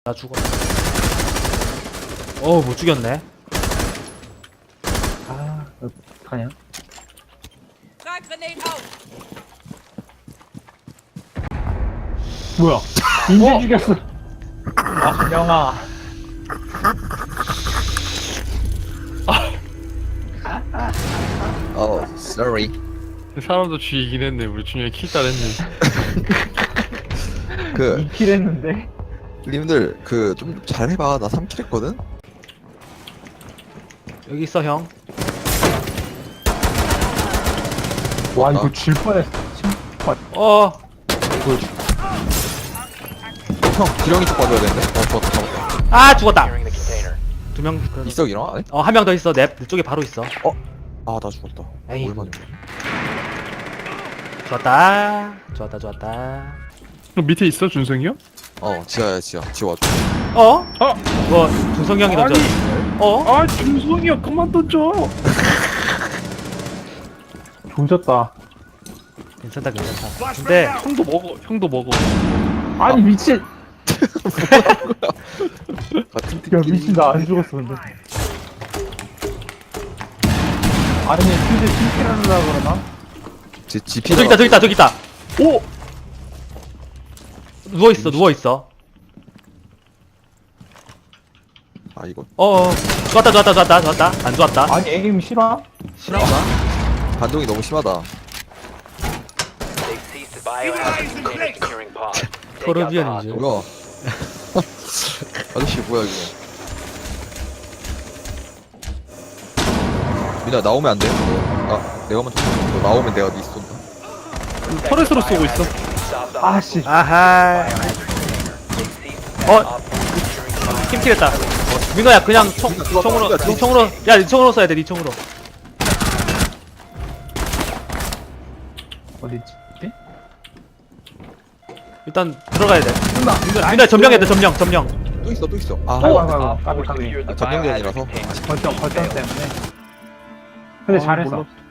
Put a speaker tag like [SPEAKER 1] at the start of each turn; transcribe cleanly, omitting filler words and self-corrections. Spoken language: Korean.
[SPEAKER 1] 나 죽어. 못 죽였네.
[SPEAKER 2] 아, 어떡하냐? 뭐야? 인제 죽였어. 아, 영아.
[SPEAKER 3] sorry.
[SPEAKER 4] 사람도 죽이긴 했네. 우리 준영이 킬 따냈네.
[SPEAKER 3] 그
[SPEAKER 2] 2킬 했는데?
[SPEAKER 3] 님들 그 좀 잘해봐. 나 3킬 했거든.
[SPEAKER 1] 여기 있어 형.
[SPEAKER 2] 와, 이거 질 뻔했어.
[SPEAKER 3] 형 기령이 쪽 봐줘야 되는데. 잡았다.
[SPEAKER 1] 죽었다. 두 명.
[SPEAKER 3] 있어 기령 안에?
[SPEAKER 1] 한 명 더 있어. 내 쪽에 바로 있어.
[SPEAKER 3] 아 나 죽었다.
[SPEAKER 1] 에이.
[SPEAKER 3] 얼마나?
[SPEAKER 1] 좋았다. 좋았다.
[SPEAKER 4] 그럼 밑에 있어 준성이 형?
[SPEAKER 3] 지하야 지하. 지하 와줘.
[SPEAKER 1] 이거 준성이 형이 던져.
[SPEAKER 4] 아 준성이 형 그만 던져.
[SPEAKER 2] 조졌다.
[SPEAKER 1] 괜찮다. 근데
[SPEAKER 4] 형도 먹어.
[SPEAKER 2] 아니, 미친.
[SPEAKER 3] 같은
[SPEAKER 2] 야, 미친. 나 안 죽었어, 근데. 아니, 근데 2킬 하려고 그러나?
[SPEAKER 3] 제 GP.
[SPEAKER 1] 저기 있다.
[SPEAKER 4] 오.
[SPEAKER 1] 누워 있어.
[SPEAKER 3] 아 이거
[SPEAKER 1] 좋았다. 안 좋았다.
[SPEAKER 2] 아니, 에임 싫어?
[SPEAKER 1] 싫어한가?
[SPEAKER 3] 반동이 너무 심하다.
[SPEAKER 1] 토르비언인 줄.
[SPEAKER 3] 뭐야? 아저씨 뭐야 이거? 민아 나오면 안 돼. 내가 먼저. 너 나오면 내가 니 쏜다.
[SPEAKER 4] 터렛으로 쏘고 있어.
[SPEAKER 2] 아씨.
[SPEAKER 1] 아하. 팀킬했다. 민호야 그냥 총으로. 야, 니 총으로 써야 돼. 니 총으로.
[SPEAKER 2] 어디있지?
[SPEAKER 1] 일단 들어가야 돼. 민호야 점령해야 돼. 점령.
[SPEAKER 3] 또 있어.
[SPEAKER 2] 아이고, 까비.
[SPEAKER 3] 점령전이라서.
[SPEAKER 2] 거점 때문에. 근데 잘했어.